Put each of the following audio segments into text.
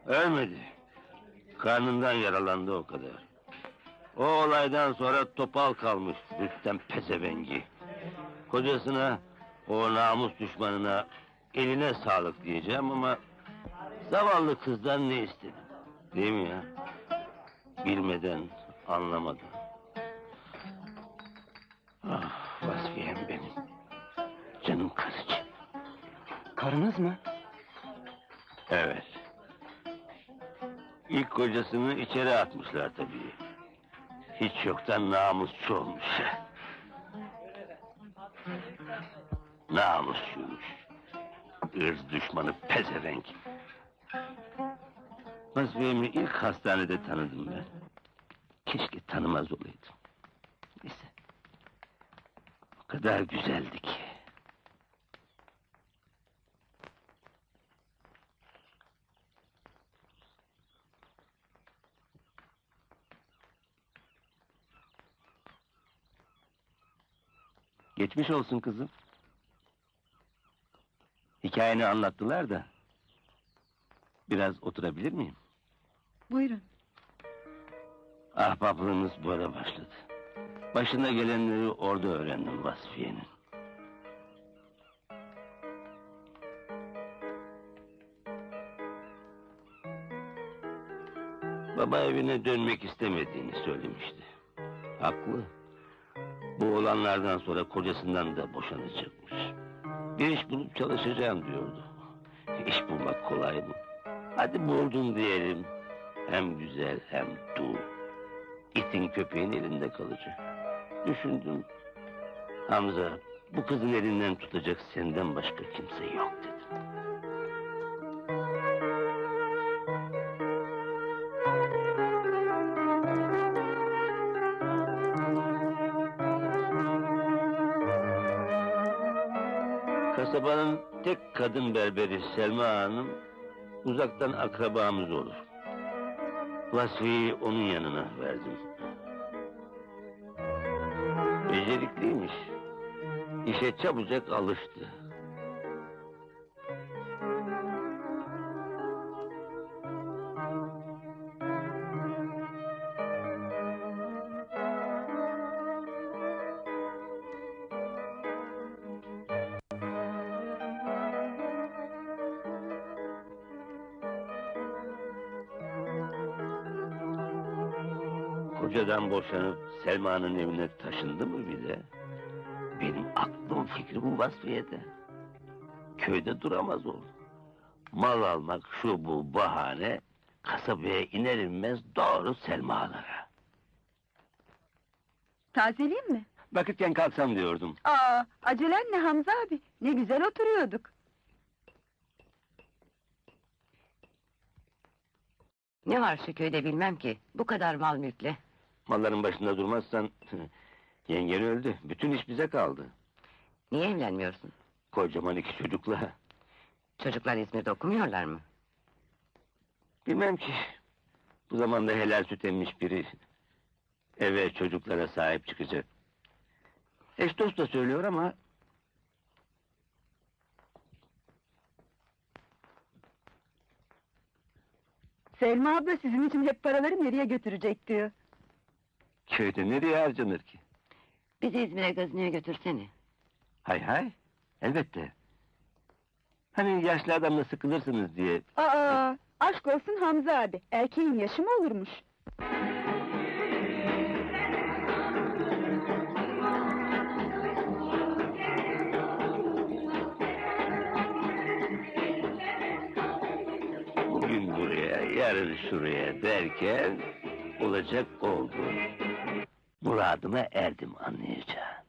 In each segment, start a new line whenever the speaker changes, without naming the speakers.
Ölmedi. Karnından yaralandı o kadar. O olaydan sonra topal kalmış Rüstem pezevengi. Kocasına, o namus düşmanına eline sağlık diyeceğim ama... ...zavallı kızdan ne istedim? Değil mi ya? Bilmeden, anlamadan. Ah, Vasfiyem benim. Canım karıcığım.
Karınız mı?
Evet. İlk kocasını içeri atmışlar tabii. Hiç yoktan namusçu olmuş. Namusçuymuş. Irz düşmanı pezevenk. Vasfiyem'i ilk hastanede tanıdım ben. Keşke tanımaz olaydım. Neyse. O kadar güzeldi ki. Geçmiş olsun kızım. Hikayeni anlattılar da... ...biraz oturabilir miyim?
Buyurun.
Ahbaplığımız böyle başladı. Başına gelenleri orada öğrendim Vasfiye'nin. Baba evine dönmek istemediğini söylemişti. Haklı. Bu olanlardan sonra kocasından da boşanacakmış. Bir iş bulup çalışacağım diyordu. İş bulmak kolay mı? Hadi buldun diyelim. Hem güzel hem dul. İtin köpeğin elinde kalacak. Düşündüm. Hamza, bu kızın elinden tutacak senden başka kimse yok dedim. Kasabanın tek kadın berberi Selma Hanım... ...uzaktan akrabamız olur. Vasfi'yi onun yanına verdim. Becerikliymiş. İşe çabucak alıştı. Kocadan boşanıp Selma'nın evine taşındı mı bir de? Benim aklım fikrim Vasfiye'de. Köyde duramaz oldu. Mal almak şu bu bahane... ...kasabaya iner inmez doğru Selma'lara.
Tazeleyeyim mi?
Vakitken kalksam diyordum.
Acelen ne Hamza abi? Ne güzel oturuyorduk.
Ne var şu köyde bilmem ki, bu kadar mal mülkle.
Malların başında durmazsan... ...yengen öldü, bütün iş bize kaldı.
Niye evlenmiyorsun?
Kocaman 2 çocukla.
Çocuklar İzmir'de okumuyorlar mı?
Bilmem ki... ...bu zamanda helal süt emmiş biri... ...eve çocuklara sahip çıkacak. Eş dost da söylüyor ama...
Selma abla sizin için hep paraları nereye götürecek diyor.
...köyde nereye harcanır ki?
Bizi İzmir'e gazineye götürsene.
Hay hay, elbette. Hani yaşlı adamla sıkılırsınız diye...
Aşk olsun Hamza abi. Erkeğin yaşı mı olurmuş?
Bugün buraya, yarın şuraya derken... ...olacak oldu. Muradıma erdim anlayacağım.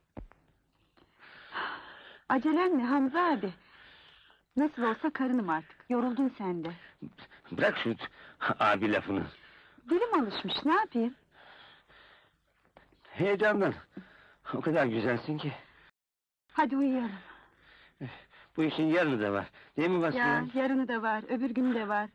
Acelen ne Hamza abi? Nasıl olsa karınım artık. Yoruldun sen de.
Bırak şu abi lafını.
Dilim alışmış, ne yapayım?
Heyecandan. O kadar güzelsin ki.
Hadi uyuyalım.
Bu işin yarını da var. Değil mi Vasfiye?
Ya yarını da var, öbür günü de var.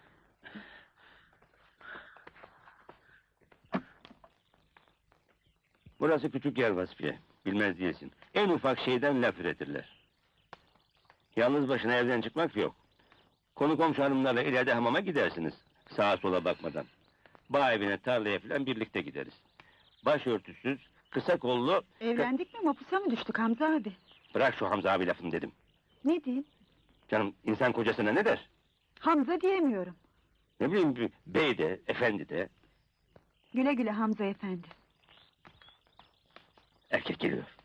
Burası küçük yer Vasfiye. Bilmez değilsin. En ufak şeyden laf üretirler. Yalnız başına evden çıkmak yok. Konu komşu hanımlarla ileride hamama gidersiniz. Sağa sola bakmadan. Bağ evine, tarlaya falan birlikte gideriz. Başörtüsüz, kısa kollu...
Evlendik mi mapusa mı düştük Hamza abi?
Bırak şu Hamza abi lafını dedim.
Ne diyeyim?
Canım, insan kocasına ne der?
Hamza diyemiyorum.
Ne bileyim, bir bey de, efendi de...
Güle güle Hamza efendi.
Erkek geliyor.